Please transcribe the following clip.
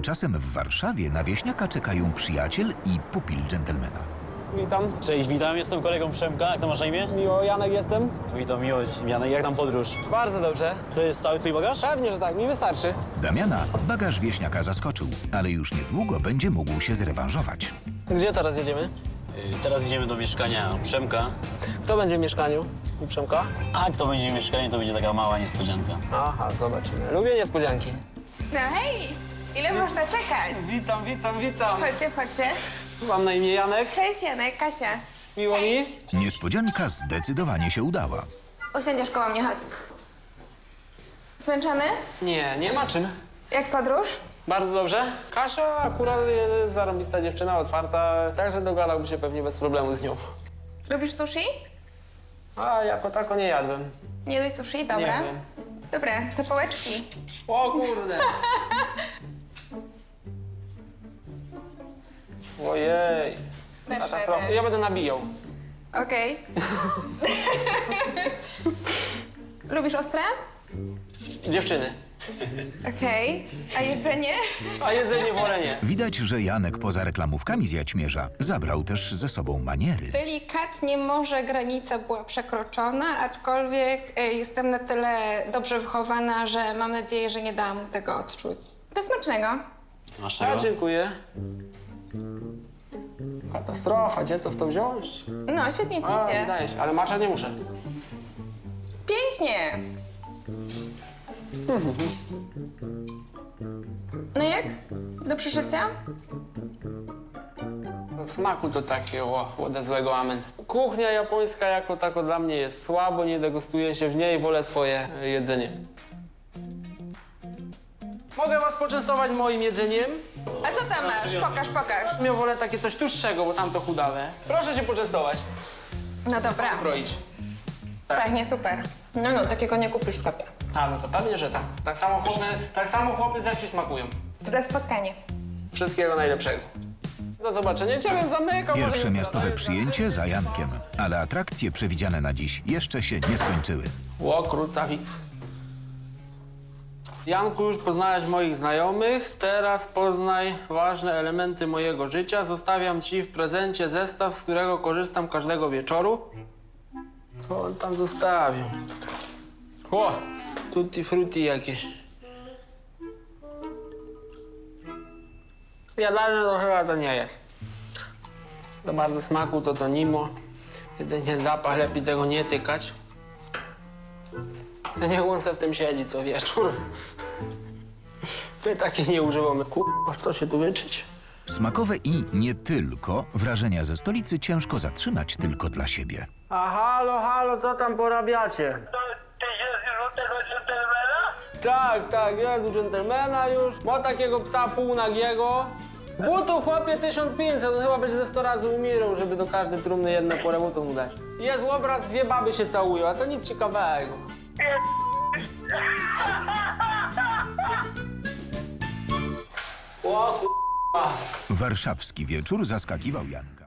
Tymczasem w Warszawie na wieśniaka czekają przyjaciel i pupil dżentelmena. Witam. Cześć, witam, jestem kolegą Przemka. Jak to masz na imię? Miło, Janek jestem. Witam, miło, Janek. Jak tam podróż? Bardzo dobrze. To jest cały twój bagaż? Pewnie, że tak, mi wystarczy. Damiana bagaż wieśniaka zaskoczył, ale już niedługo będzie mógł się zrewanżować. Gdzie teraz jedziemy? Teraz idziemy do mieszkania Przemka. Kto będzie w mieszkaniu u Przemka? A kto będzie w mieszkaniu, to będzie taka mała niespodzianka. Aha, zobaczymy. Lubię niespodzianki. No hej, ile można czekać? Witam, witam, witam. Chodźcie, chodźcie. Mam na imię Janek. Cześć Janek, Kasia. Miło mi. Niespodzianka zdecydowanie się udała. Usiądziesz koło mnie, chodź. Zmęczony? Nie, nie ma czym. Jak podróż? Bardzo dobrze. Kasia akurat jest zarąbista dziewczyna, otwarta, także dogadałbym się pewnie bez problemu z nią. Lubisz sushi? A jako tako nie jadłem. Nie jadłeś sushi? Dobra. Nie wiem. Dobra, te pałeczki. O kurde. Ojej. Dasz Katastrofa. radę. Ja będę nabijał. Okej. Lubisz ostre? Dziewczyny. Okej. A jedzenie? A jedzenie wolę nie. Widać, że Janek poza reklamówkami z Jaćmierza zabrał też ze sobą maniery. Delikatnie może granica była przekroczona, aczkolwiek jestem na tyle dobrze wychowana, że mam nadzieję, że nie dałam mu tego odczuć. Do smacznego. Co masz A, czego? dziękuję. Katastrofa, gdzie to w to wziąć? No, świetnie ci A, idzie. wydaje się, ale macza nie muszę. Pięknie. No jak? Do przeżycia? W smaku to takie, ode złego amen. Kuchnia japońska jako tako dla mnie jest słabo, nie degustuje się w niej, wolę swoje jedzenie. Mogę was poczęstować moim jedzeniem? A co tam masz? Pokaż, pokaż. Ja wolę takie coś tłustszego, bo tamto chudawe. Proszę się poczęstować. No dobra, Kroić. pachnie super. No, takiego nie kupisz w sklepie. A, no to pewnie, że tak. Tak samo chłopy ze wsi smakują. Za spotkanie. Wszystkiego najlepszego. Do zobaczenia. Ciebie zamykam. Pierwsze może miastowe jutro. przyjęcie za Jankiem, ale atrakcje przewidziane na dziś jeszcze się nie skończyły. Ło, krucifix. Janku, już poznałeś moich znajomych, teraz poznaj ważne elementy mojego życia. Zostawiam ci w prezencie zestaw, z którego korzystam każdego wieczoru. Co on tam zostawił? O, tutti frutti jakieś. Jadalne to chyba to nie jest. Za bardzo smaku to nimo. Jedynie zapach, lepiej tego nie tykać. Niech on se w tym siedzi co wieczór. My takie nie używamy. Kurwa, co się tu wyczyć? Smakowe i nie tylko wrażenia ze stolicy ciężko zatrzymać tylko dla siebie. A halo, co tam porabiacie? Ty jest już u tego dżentelmena? Tak, jest u dżentelmena już. Ma takiego psa półnagiego. Butów chłopie 1500, on chyba będzie ze 100 razy umierał, żeby do każdej trumny jedno porę butów mu dać. Jest obraz, dwie baby się całują, a to nic ciekawego. O kurwa. Warszawski wieczór zaskakiwał Janka.